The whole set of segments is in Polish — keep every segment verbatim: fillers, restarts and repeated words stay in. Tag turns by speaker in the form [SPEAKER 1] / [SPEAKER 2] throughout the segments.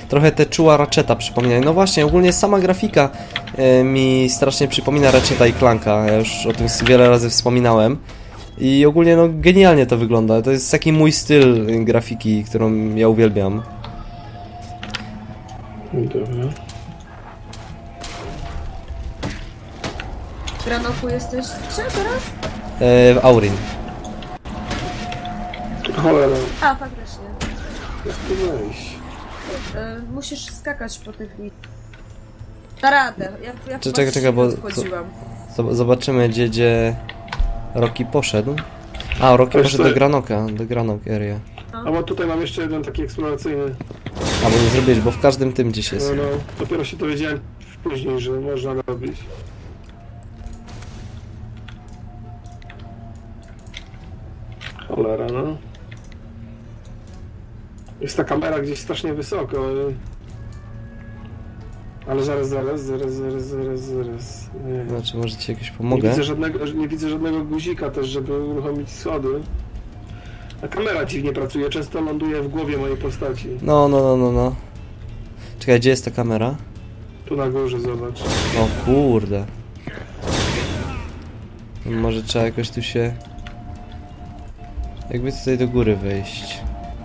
[SPEAKER 1] trochę te czuła Ratcheta przypomina. No właśnie, ogólnie sama grafika e, mi strasznie przypomina Ratcheta i Clanka. Ja już o tym wiele razy wspominałem. I ogólnie no genialnie to wygląda. To jest taki mój styl grafiki, którą ja uwielbiam.
[SPEAKER 2] Dobra.
[SPEAKER 3] W Granoku jesteś gdzie teraz?
[SPEAKER 1] E, w Aurin.
[SPEAKER 2] Cholera.
[SPEAKER 3] A, faktycznie.
[SPEAKER 2] Jak tu wejść?
[SPEAKER 3] E, musisz skakać po tych li... Da radę. Ja, ja
[SPEAKER 1] Czekaj, czekaj, czekaj, bo...
[SPEAKER 3] wchodziłam.
[SPEAKER 1] Zobaczymy, gdzie, gdzie Rocky poszedł. A, Rocky
[SPEAKER 2] Wiesz
[SPEAKER 1] poszedł
[SPEAKER 2] co?
[SPEAKER 1] do Granoka, do Granok area.
[SPEAKER 2] A bo tutaj mam jeszcze jeden taki eksploracyjny.
[SPEAKER 1] A, bo nie zrobiłeś, bo w każdym tym gdzieś jest.
[SPEAKER 2] No, no, dopiero się dowiedziałem później, że można robić. Cholera, no. Jest ta kamera gdzieś strasznie wysoko. ale- Ale zaraz, zaraz, zaraz, zaraz, zaraz, zaraz. Nie,
[SPEAKER 1] Znaczy, może ci jakoś
[SPEAKER 2] nie,
[SPEAKER 1] pomogę?
[SPEAKER 2] widzę żadnego, nie widzę żadnego guzika też, żeby uruchomić schody. A kamera dziwnie pracuje, często ląduje w głowie mojej postaci.
[SPEAKER 1] No, no, no, no, no. Czekaj, gdzie jest ta kamera?
[SPEAKER 2] Tu na górze, zobacz.
[SPEAKER 1] O kurde. Może trzeba jakoś tu się... Jakby tutaj do góry wejść.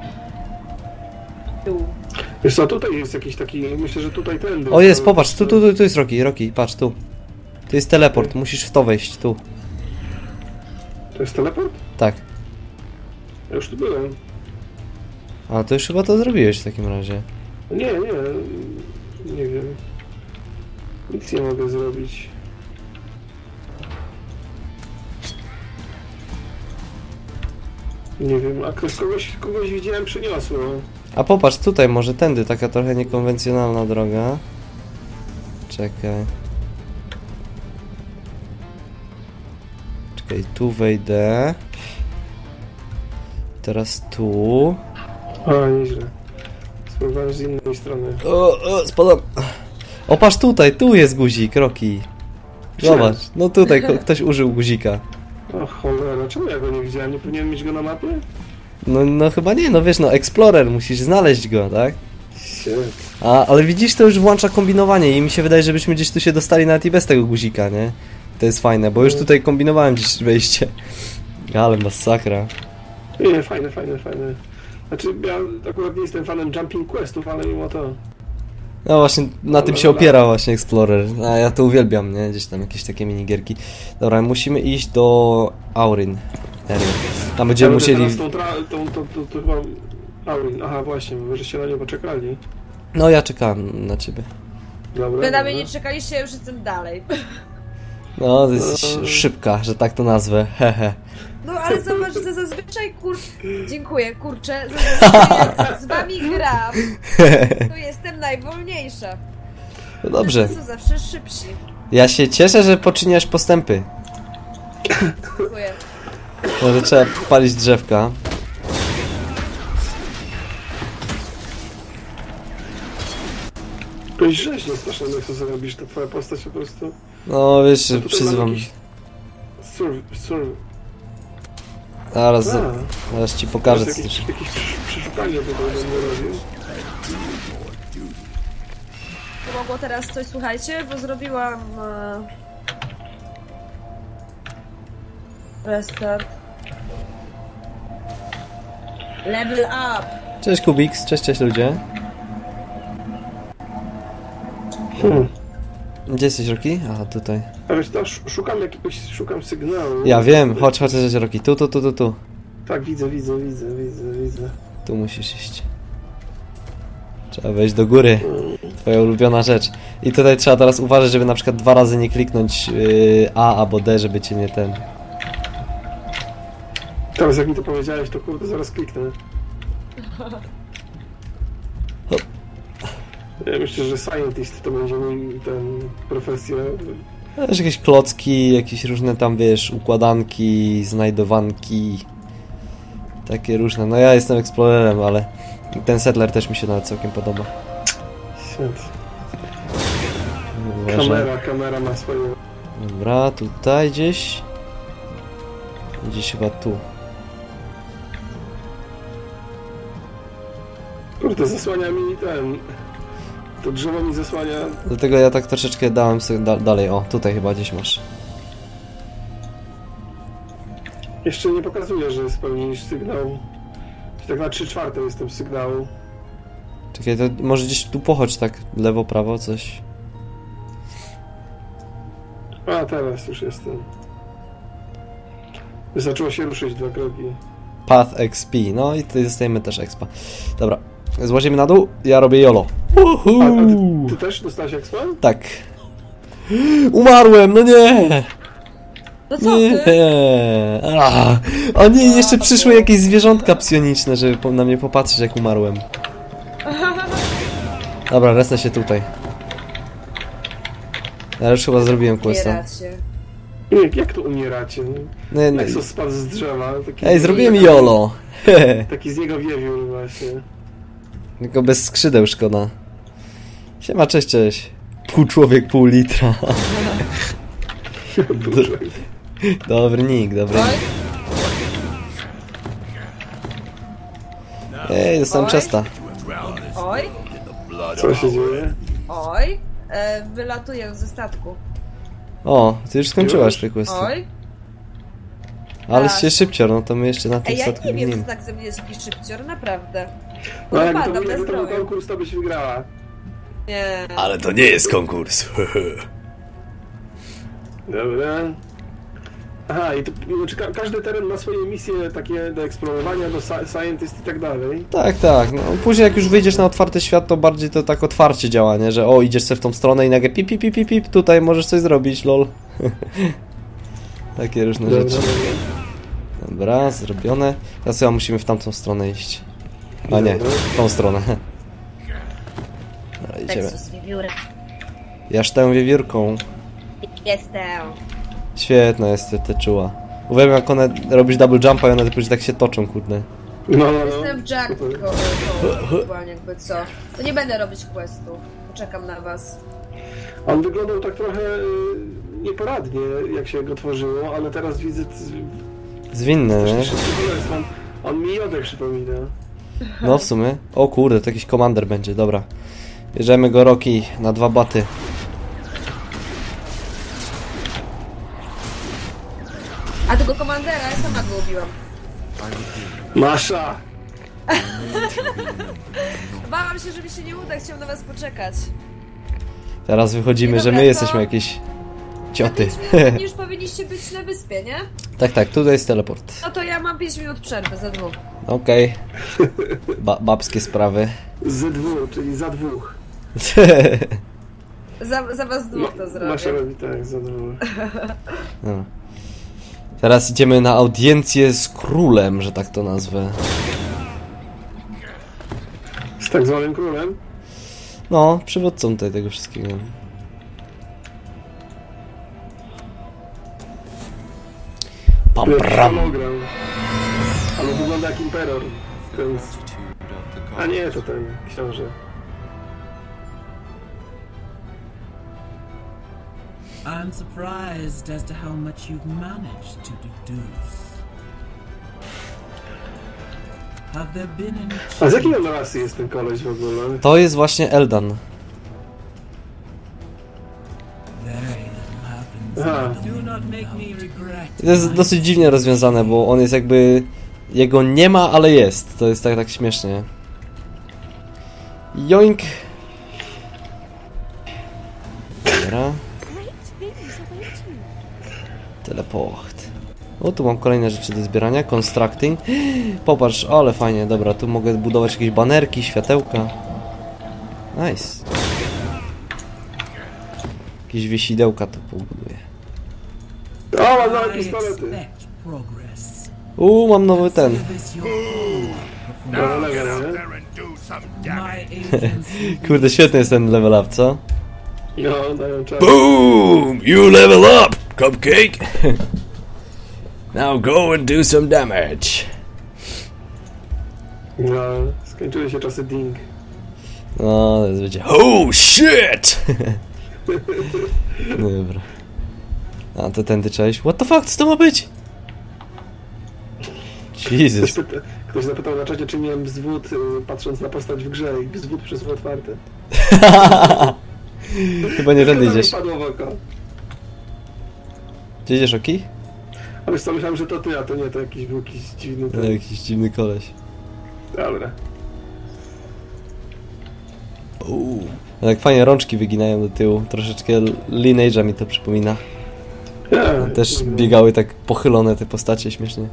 [SPEAKER 3] Tu.
[SPEAKER 2] Wiesz co, tutaj jest jakiś taki, myślę, że tutaj tędy.
[SPEAKER 1] O jest, popatrz, tu, tu, tu, tu jest Rocky, Rocky, patrz, tu. Tu jest teleport, musisz w to wejść, tu.
[SPEAKER 2] To jest teleport?
[SPEAKER 1] Tak.
[SPEAKER 2] Ja już tu byłem.
[SPEAKER 1] A, to już chyba to zrobiłeś w takim razie.
[SPEAKER 2] Nie, nie, nie wiem. Nic nie mogę zrobić. Nie wiem, a ktoś kogoś, kogoś widziałem, przyniosło.
[SPEAKER 1] A popatrz, tutaj może tędy, taka trochę niekonwencjonalna droga. Czekaj. Czekaj, tu wejdę. Teraz tu.
[SPEAKER 2] A, nieźle. Spróbowałem z innej strony.
[SPEAKER 1] O, o, spadam. O, patrz tutaj, tu jest guzik, Rocky. Zobacz, no tutaj ko- ktoś użył guzika.
[SPEAKER 2] O cholera, czemu ja go nie widziałem? Nie powinienem mieć go na mapie?
[SPEAKER 1] No, no chyba nie, no wiesz, no Explorer, musisz znaleźć go, tak?
[SPEAKER 2] Shit.
[SPEAKER 1] A, ale widzisz, to już włącza kombinowanie i mi się wydaje, żebyśmy gdzieś tu się dostali nawet i bez tego guzika, nie? To jest fajne, bo już tutaj kombinowałem gdzieś wejście. Ale masakra.
[SPEAKER 2] Nie, fajne, fajne, fajne. Znaczy, ja akurat nie jestem fanem Jumping Questów, ale mimo to...
[SPEAKER 1] No właśnie, na tym się opiera właśnie Explorer. A ja to uwielbiam, nie? Gdzieś tam jakieś takie minigierki. Dobra, musimy iść do Aurin. Tam będziemy
[SPEAKER 2] Ja
[SPEAKER 1] musieli...
[SPEAKER 2] teraz tą, tra- tą, tą, tą, tą, tą... Aurin, aha, właśnie, wy żeście na niego poczekali.
[SPEAKER 1] No ja czekam na ciebie.
[SPEAKER 2] Dobra,
[SPEAKER 3] Wy na mnie
[SPEAKER 2] dobra.
[SPEAKER 3] nie czekaliście, ja już jestem dalej.
[SPEAKER 1] No, to jest szybka, że tak to nazwę. Hehe.
[SPEAKER 3] No ale zobacz, że zazwyczaj kur... Dziękuję, kurczę. Zazwyczaj jak z wami gram, to jestem najwolniejsza.
[SPEAKER 1] No dobrze.
[SPEAKER 3] To są zawsze szybsi.
[SPEAKER 1] Ja się cieszę, że poczyniasz postępy.
[SPEAKER 3] Dziękuję.
[SPEAKER 1] Może trzeba palić drzewka.
[SPEAKER 2] Jakoś rzeźnie strasznie, jak to zrobisz, to twoja postać po prostu...
[SPEAKER 1] No wiesz,
[SPEAKER 2] A tutaj
[SPEAKER 1] przyzywam.
[SPEAKER 2] mam jakiś Surv... surv...
[SPEAKER 1] Zaraz,
[SPEAKER 2] A,
[SPEAKER 1] zaraz ci pokażę
[SPEAKER 2] jakieś,
[SPEAKER 1] coś.
[SPEAKER 2] jakieś przeszukanie tutaj będę robił.
[SPEAKER 3] Pomogło teraz coś, słuchajcie, bo zrobiłam... E... Restart. Level up!
[SPEAKER 1] Cześć Kubiks, cześć, cześć ludzie.
[SPEAKER 2] Hmm.
[SPEAKER 1] Gdzie jesteś, Rocky? Aha, tutaj.
[SPEAKER 2] A wiesz, to sz- szukam jakiegoś, szukam sygnału.
[SPEAKER 1] Ja wiem, chodź, chodź, chodź, Rocky. Tu, tu, tu, tu, tu.
[SPEAKER 2] Tak, widzę, widzę, widzę, widzę, widzę.
[SPEAKER 1] Tu musisz iść. Trzeba wejść do góry. Twoja ulubiona rzecz. I tutaj trzeba teraz uważać, żeby na przykład dwa razy nie kliknąć yy, A albo D, żeby cię nie ten...
[SPEAKER 2] Teraz jak mi to powiedziałeś, to kurde, zaraz kliknę.
[SPEAKER 1] Hop.
[SPEAKER 2] Ja myślę, że scientist to będzie mój ten profesja.
[SPEAKER 1] Wiesz, jakieś klocki, jakieś różne tam, wiesz, układanki, znajdowanki. Takie różne. No ja jestem eksplorerem, ale ten settler też mi się nawet całkiem podoba.
[SPEAKER 2] Shit.
[SPEAKER 1] Uważam.
[SPEAKER 2] Kamera, kamera ma swoje...
[SPEAKER 1] Dobra, tutaj gdzieś. Gdzieś chyba tu.
[SPEAKER 2] Kurde, zasłania mi ten... To drzewo mi zasłania.
[SPEAKER 1] Dlatego ja tak troszeczkę dałem sobie da dalej. O, tutaj chyba gdzieś masz.
[SPEAKER 2] Jeszcze nie pokazuje, że spełnisz sygnał. Tak na trzy czwarte jestem sygnału.
[SPEAKER 1] Czekaj, to może gdzieś tu pochodź tak lewo, prawo, coś.
[SPEAKER 2] A, teraz już jestem. Zaczęło się ruszyć dwa kroki.
[SPEAKER 1] Path X P, no i tutaj dostajemy też expa. Dobra, złazimy na dół, ja robię YOLO.
[SPEAKER 2] A, a ty, ty też dostałeś expa?
[SPEAKER 1] Tak. Umarłem, no nie!
[SPEAKER 3] No co
[SPEAKER 1] Nie!
[SPEAKER 3] ty?
[SPEAKER 1] A, o nie, jeszcze przyszły jakieś zwierzątka psioniczne, żeby po- na mnie popatrzeć jak umarłem. Dobra, resnę się tutaj. Ja już chyba zrobiłem questa.
[SPEAKER 3] Umieracie.
[SPEAKER 2] Jak, jak to umieracie?
[SPEAKER 1] Nie, nie.
[SPEAKER 2] Nexus spadł z drzewa. Taki
[SPEAKER 1] Ej, zrobiłem YOLO!
[SPEAKER 2] Taki z niego wiewiór właśnie.
[SPEAKER 1] Tylko bez skrzydeł szkoda. Siema, cześć, cześć. Pół człowiek, pół litra. Dobry nick, dobry
[SPEAKER 3] Oj,
[SPEAKER 1] nick. Ej, dostałem
[SPEAKER 3] Oj.
[SPEAKER 1] chesta.
[SPEAKER 3] oj,
[SPEAKER 2] Co się dzieje?
[SPEAKER 3] oj. E, wylatuję ze statku.
[SPEAKER 1] O, ty już skończyłaś
[SPEAKER 2] Już?
[SPEAKER 1] te questy.
[SPEAKER 3] Oj.
[SPEAKER 1] Ale
[SPEAKER 3] tak.
[SPEAKER 1] się szybcior, no to my jeszcze na tym
[SPEAKER 3] Ej, ja
[SPEAKER 1] statku
[SPEAKER 3] nie wiem,
[SPEAKER 1] ginimy.
[SPEAKER 3] co tak ze mnie jest jakiś szybcior, naprawdę.
[SPEAKER 2] No jakby to,
[SPEAKER 3] Upadam na
[SPEAKER 2] jakby to był
[SPEAKER 3] zdrowiu.
[SPEAKER 2] konkurs, to byś wygrała.
[SPEAKER 3] Nie.
[SPEAKER 1] Ale to nie jest konkurs.
[SPEAKER 2] Dobra. Aha, i to, znaczy, ka każdy teren ma swoje misje takie do eksplorowania, do sci scientist i tak dalej.
[SPEAKER 1] Tak, tak. No, później jak już wyjdziesz na otwarty świat, to bardziej to tak otwarcie działa, nie? Że o, idziesz sobie w tą stronę i nagle pip, pip, pip, pip, pip, tutaj możesz coś zrobić, lol. Takie różne
[SPEAKER 2] Dobra,
[SPEAKER 1] rzeczy. Dobra, zrobione. Teraz chyba musimy w tamtą stronę iść. A nie, w tą stronę. Dobra, idziemy.
[SPEAKER 3] Nexus wiewiórek.
[SPEAKER 1] Ja sztę wiewiórką.
[SPEAKER 3] Jestem.
[SPEAKER 1] Świetna jest ta czuła. Uwielbiam jak one robisz double jumpa i one później tak się toczą, kurde.
[SPEAKER 2] No, no, no.
[SPEAKER 3] Jestem Jack,
[SPEAKER 2] Super.
[SPEAKER 3] ko- ko- ewentualnie jakby co. To nie będę robić questu. Poczekam na was.
[SPEAKER 2] On wyglądał tak trochę y, nieporadnie, jak się go tworzyło, ale teraz widzę...
[SPEAKER 1] Zwinne, nie?
[SPEAKER 2] On, on mi Jodę przypomina.
[SPEAKER 1] No w sumie. O kurde, to jakiś komander będzie, dobra. Bierzemy go Rocky na dwa baty.
[SPEAKER 3] A tego komandera ja sama go ubiłam.
[SPEAKER 2] Masza!
[SPEAKER 3] Bałam się, że mi się nie uda, chciałam na was poczekać.
[SPEAKER 1] Teraz wychodzimy,
[SPEAKER 3] Dobra,
[SPEAKER 1] że my
[SPEAKER 3] to-
[SPEAKER 1] jesteśmy jakieś cioty.
[SPEAKER 3] Za pięć minut już powinniście być na wyspie, nie?
[SPEAKER 1] Tak, tak, tutaj jest teleport.
[SPEAKER 3] No to ja mam pięć minut przerwy za dwóch.
[SPEAKER 1] Okej. Ba babskie sprawy.
[SPEAKER 2] Z dwóch, czyli za dwóch.
[SPEAKER 3] Za, za was dwóch to
[SPEAKER 2] Masza
[SPEAKER 3] zrobię.
[SPEAKER 2] robi tak, za dwóch.
[SPEAKER 1] Dobra. Teraz idziemy na audiencję z królem, że tak to nazwę.
[SPEAKER 2] Z tak zwanym królem.
[SPEAKER 1] No, przywódcą tutaj tego wszystkiego. Pam,
[SPEAKER 2] Który
[SPEAKER 1] pram.
[SPEAKER 2] hologram. Ale wygląda jak imperor. Ten... A nie, to ten książę.
[SPEAKER 4] I'm surprised as to how much you've managed to deduce. Have there been any
[SPEAKER 2] A z jakiej on
[SPEAKER 4] changes?
[SPEAKER 2] rasy jest ten koleś w ogóle?
[SPEAKER 1] To jest właśnie Eldan.
[SPEAKER 4] Very little happens.
[SPEAKER 2] Aha.
[SPEAKER 4] Do not make me regret.
[SPEAKER 1] To jest dosyć dziwnie rozwiązane, bo on jest jakby... Jego nie ma, ale jest. To jest tak, tak śmiesznie. Joink! Dobra. Teleport. O, tu mam kolejne rzeczy do zbierania. Constructing. Popatrz, ale fajnie. Dobra, tu mogę budować jakieś banerki, światełka. Nice. Jakieś wiesidełka tu pobuduję.
[SPEAKER 2] O, mam nowe
[SPEAKER 4] I
[SPEAKER 2] pistolety.
[SPEAKER 4] expect progress.
[SPEAKER 1] Uuu, mam nowy ten.
[SPEAKER 4] Service your own
[SPEAKER 2] Dobra,
[SPEAKER 4] performance.
[SPEAKER 2] lega, nie?
[SPEAKER 4] My agency
[SPEAKER 1] Kurde, świetny jest ten level up, co?
[SPEAKER 2] No, dają czas.
[SPEAKER 1] Boom! You level up, cupcake! Now go and do some damage.
[SPEAKER 2] No, skończyły się czasy ding.
[SPEAKER 1] No, to jest będzie. Oh shit! Dobra. A to tędy trzeba iść. What the fuck, co to ma być?
[SPEAKER 2] Ktoś,
[SPEAKER 1] Jesus.
[SPEAKER 2] pyta, ktoś zapytał na czacie, czy miałem wzwód, y, patrząc na postać w grze i wzwód przez otwarte.
[SPEAKER 1] Chyba nie tędy
[SPEAKER 2] Chyba mi
[SPEAKER 1] idziesz.
[SPEAKER 2] padło w oko.
[SPEAKER 1] Gdzie idziesz, Oki?
[SPEAKER 2] A wiesz co, myślałem, że to ty, a to nie, to jakiś był jakiś dziwny
[SPEAKER 1] No,
[SPEAKER 2] ten.
[SPEAKER 1] jakiś dziwny koleś.
[SPEAKER 2] Dobra.
[SPEAKER 1] Uuu. Tak fajnie rączki wyginają do tyłu. Troszeczkę Lineage'a mi to przypomina.
[SPEAKER 2] Ja,
[SPEAKER 1] Też
[SPEAKER 2] no.
[SPEAKER 1] biegały tak pochylone te postacie śmiesznie.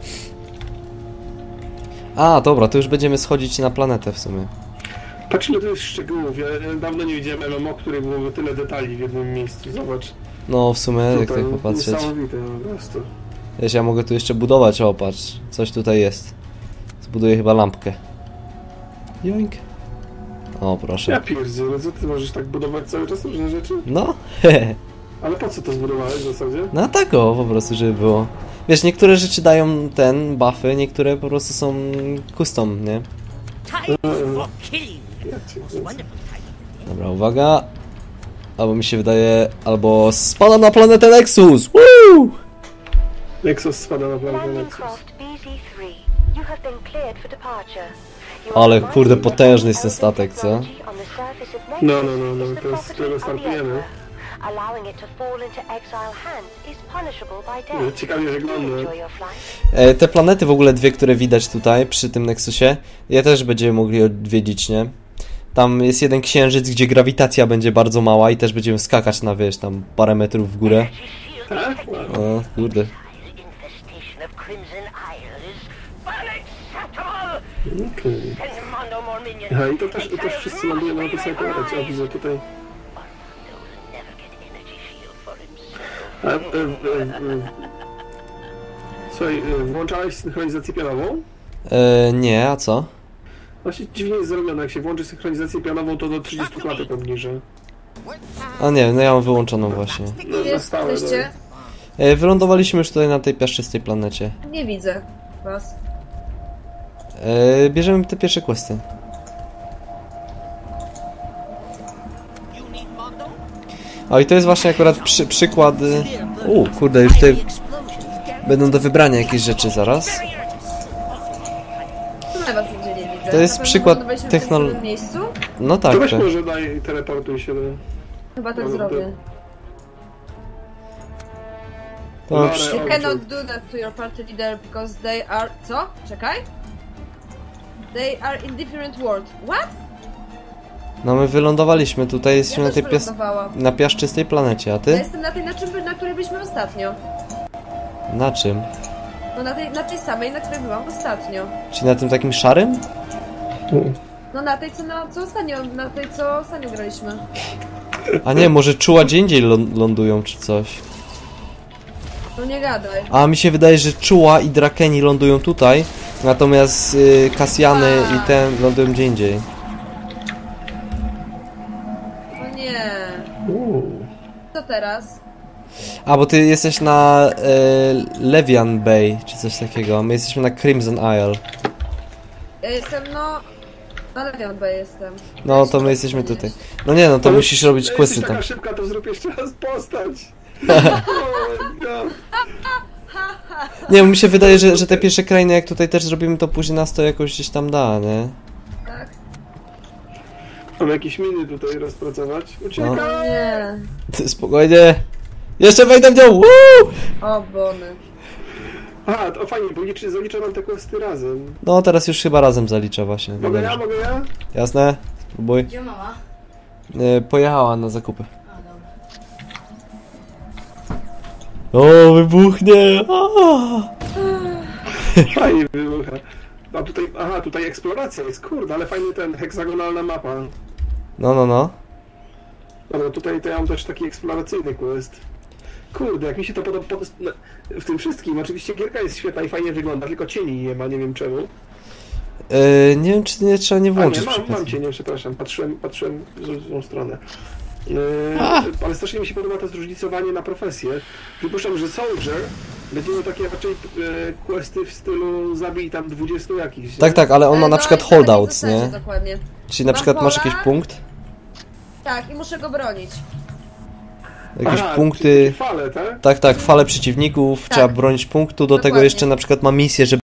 [SPEAKER 1] A, dobra, to już będziemy schodzić na planetę w sumie.
[SPEAKER 2] Patrz ile tu jest szczegółów. Ja ja dawno nie widziałem M M O, której byłoby tyle detali w jednym miejscu. Zobacz.
[SPEAKER 1] No w sumie, jak
[SPEAKER 2] Tutaj
[SPEAKER 1] tak popatrzeć.
[SPEAKER 2] Niesamowite po prostu.
[SPEAKER 1] Wiesz, ja mogę tu jeszcze budować, o patrz. Coś tutaj jest. Zbuduję chyba lampkę. Joink. O, proszę.
[SPEAKER 2] Ja pierdzielę, co ty możesz tak budować cały czas różne rzeczy?
[SPEAKER 1] No, hehe.
[SPEAKER 2] Ale po co to zbudowałeś w zasadzie?
[SPEAKER 1] No tak o, po prostu, żeby było. Wiesz, niektóre rzeczy dają ten, buffy, niektóre po prostu są custom, nie?
[SPEAKER 5] Time for killing.
[SPEAKER 2] Ja cię kręcę.
[SPEAKER 5] Wonderful time.
[SPEAKER 1] Dobra, uwaga. Albo mi się wydaje, albo spadam na planetę Nexus! Woo!
[SPEAKER 2] Nexus spada na planetę
[SPEAKER 6] Landing
[SPEAKER 2] Nexus.
[SPEAKER 6] craft B Z three. You have been cleared for departure. You
[SPEAKER 1] Ale
[SPEAKER 6] are
[SPEAKER 1] kurde,
[SPEAKER 6] advised
[SPEAKER 1] potężny jest
[SPEAKER 6] that
[SPEAKER 1] ten statek, co?
[SPEAKER 6] technology on the surface of
[SPEAKER 2] No,
[SPEAKER 6] Nexus
[SPEAKER 2] no, no, no,
[SPEAKER 6] is the
[SPEAKER 2] to jest-
[SPEAKER 6] property
[SPEAKER 2] tego
[SPEAKER 6] of the
[SPEAKER 2] startujemy.
[SPEAKER 6] Emperor. Allowing it to fall into exile hands is punishable by death.
[SPEAKER 2] Ciekawie
[SPEAKER 6] Do
[SPEAKER 2] wygląda.
[SPEAKER 6] enjoy your flight.
[SPEAKER 1] E, te planety w ogóle dwie, które widać tutaj przy tym Nexusie, je też będziemy mogli odwiedzić, nie? Tam jest jeden księżyc, gdzie grawitacja będzie bardzo mała i też będziemy skakać na, wiesz, tam parę metrów w górę.
[SPEAKER 2] Tak? Wow.
[SPEAKER 1] O, kurde.
[SPEAKER 5] Infestation of Crimson Isle is unacceptable.
[SPEAKER 2] Okej.
[SPEAKER 5] Send Mondo more minions.
[SPEAKER 2] Aha, i to też, to też wszyscy lądują na tej samej planecie. O, widzę tutaj.
[SPEAKER 5] Mondo will never get energy shield for himself.
[SPEAKER 2] A, e, e, e, Słuchaj, e, włączałeś synchronizację pionową?
[SPEAKER 1] E, nie, a co?
[SPEAKER 2] Właśnie dziwnie jest zrobione, jak się włączy synchronizację pionową, to do trzydziestu klatek obniża.
[SPEAKER 1] A nie, no ja mam wyłączoną właśnie.
[SPEAKER 2] No, na
[SPEAKER 3] Jest,
[SPEAKER 2] stałe,
[SPEAKER 3] jesteście?
[SPEAKER 1] E, wylądowaliśmy już tutaj na tej piaszczystej planecie.
[SPEAKER 3] Nie widzę was.
[SPEAKER 1] E, bierzemy te pierwsze questy.
[SPEAKER 5] You need Mondo?
[SPEAKER 1] O, i to jest właśnie akurat przy, przykład... y, U, kurde, już tutaj będą do wybrania jakieś rzeczy zaraz.
[SPEAKER 3] Chyba was nigdzie nie widzę.
[SPEAKER 1] To jest
[SPEAKER 3] Na pewno
[SPEAKER 1] przykład
[SPEAKER 3] wylądowaliśmy w tym
[SPEAKER 1] technol-
[SPEAKER 3] samym miejscu?
[SPEAKER 1] No
[SPEAKER 2] To
[SPEAKER 1] tak,
[SPEAKER 2] weź
[SPEAKER 1] tak.
[SPEAKER 2] może daj, teleportuj się do...
[SPEAKER 3] Chyba tak
[SPEAKER 2] No,
[SPEAKER 3] zrobię.
[SPEAKER 1] To
[SPEAKER 2] Lara
[SPEAKER 1] przy-
[SPEAKER 3] You
[SPEAKER 2] Orchard.
[SPEAKER 3] cannot do that to your party leader because they are... Co? Czekaj. They are in different world. What?
[SPEAKER 1] No my wylądowaliśmy tutaj, jesteśmy
[SPEAKER 3] Ja
[SPEAKER 1] na
[SPEAKER 3] też
[SPEAKER 1] tej pias...
[SPEAKER 3] wylądowałam.
[SPEAKER 1] na piaszczystej planecie, a
[SPEAKER 3] Ja
[SPEAKER 1] ty?
[SPEAKER 3] jestem na tej, na, czym, na której byliśmy ostatnio.
[SPEAKER 1] Na czym?
[SPEAKER 3] No na tej, na tej samej, na której byłam ostatnio.
[SPEAKER 1] Czy na tym takim szarym?
[SPEAKER 3] No na tej, co, na, co ostatnio, na tej, co ostatnio graliśmy.
[SPEAKER 1] A nie, może czuła gdzie indziej lą- lądują czy coś.
[SPEAKER 3] No nie gadaj.
[SPEAKER 1] A mi się wydaje, że czuła i drakeni lądują tutaj, natomiast y, Kasjany i ten lądują gdzie indziej.
[SPEAKER 3] No nie.
[SPEAKER 2] Uuu.
[SPEAKER 3] Co teraz?
[SPEAKER 1] A, bo ty jesteś na y, Levian Bay, czy coś takiego, my jesteśmy na Crimson Isle.
[SPEAKER 3] Ja jestem, no... Na Levian Bay jestem.
[SPEAKER 1] No, to my jesteśmy tutaj. No nie, no to
[SPEAKER 2] Ale
[SPEAKER 1] musisz robić
[SPEAKER 2] jesteś
[SPEAKER 1] questy
[SPEAKER 2] taka
[SPEAKER 1] tam.
[SPEAKER 2] szybka, to zrób jeszcze raz postać. Oh my God.
[SPEAKER 1] Nie, mi się wydaje, że, że te pierwsze krainy, jak tutaj też zrobimy, to później nas to jakoś gdzieś tam da, nie?
[SPEAKER 3] Tak?
[SPEAKER 2] Mam jakieś miny tutaj rozpracować. Uciekaj!
[SPEAKER 3] No nie.
[SPEAKER 1] Ty, spokojnie. Jeszcze wejdę w nią! Woo!
[SPEAKER 3] O, bony.
[SPEAKER 2] Aha, to fajnie, bo liczy, zaliczę nam te questy razem.
[SPEAKER 1] No, teraz już chyba razem zaliczę właśnie. No
[SPEAKER 2] Mogę ja,
[SPEAKER 1] dobrze.
[SPEAKER 2] mogę ja?
[SPEAKER 1] Jasne? Spróbuj.
[SPEAKER 7] Gdzie mama?
[SPEAKER 1] Y, pojechała na zakupy.
[SPEAKER 7] A, dobra.
[SPEAKER 1] O, wybuchnie! A!
[SPEAKER 2] Fajnie wybucha. A tutaj, aha, tutaj eksploracja jest, kurde, ale fajny ten, heksagonalna mapa.
[SPEAKER 1] No, no, no.
[SPEAKER 2] Dobra, tutaj to ja mam też taki eksploracyjny quest. Kurde, jak mi się to podoba pod... no, w tym wszystkim. Oczywiście gierka jest świetna i fajnie wygląda, tylko cieni nie ma, nie wiem czemu.
[SPEAKER 1] Y, nie wiem, czy nie trzeba nie
[SPEAKER 2] A
[SPEAKER 1] włączyć
[SPEAKER 2] nie, mam, mam
[SPEAKER 1] przypadkiem.
[SPEAKER 2] cienie, przepraszam, patrzyłem, patrzyłem w złą stronę. Yy,
[SPEAKER 1] A!
[SPEAKER 2] ale strasznie mi się podoba to zróżnicowanie na profesję. Przypuszczam, że Soldier będzie miał takie raczej e, questy w stylu zabij tam dwudziestu jakichś. nie?
[SPEAKER 1] Tak, tak, ale on ma
[SPEAKER 3] E,
[SPEAKER 1] na
[SPEAKER 3] no
[SPEAKER 1] przykład
[SPEAKER 3] i na takiej
[SPEAKER 1] holdouts,
[SPEAKER 3] zasadzie
[SPEAKER 1] nie?
[SPEAKER 3] Dokładnie.
[SPEAKER 1] Czyli na
[SPEAKER 3] Mam
[SPEAKER 1] przykład masz
[SPEAKER 3] pola.
[SPEAKER 1] jakiś punkt,
[SPEAKER 3] Tak, i muszę go bronić.
[SPEAKER 1] jakieś
[SPEAKER 2] Aha,
[SPEAKER 1] punkty...
[SPEAKER 2] czyli takie fale, tak?
[SPEAKER 1] Tak, tak, fale przeciwników,
[SPEAKER 3] Tak.
[SPEAKER 1] trzeba bronić punktu, do tego
[SPEAKER 3] Dokładnie.
[SPEAKER 1] jeszcze na przykład ma misję, żeby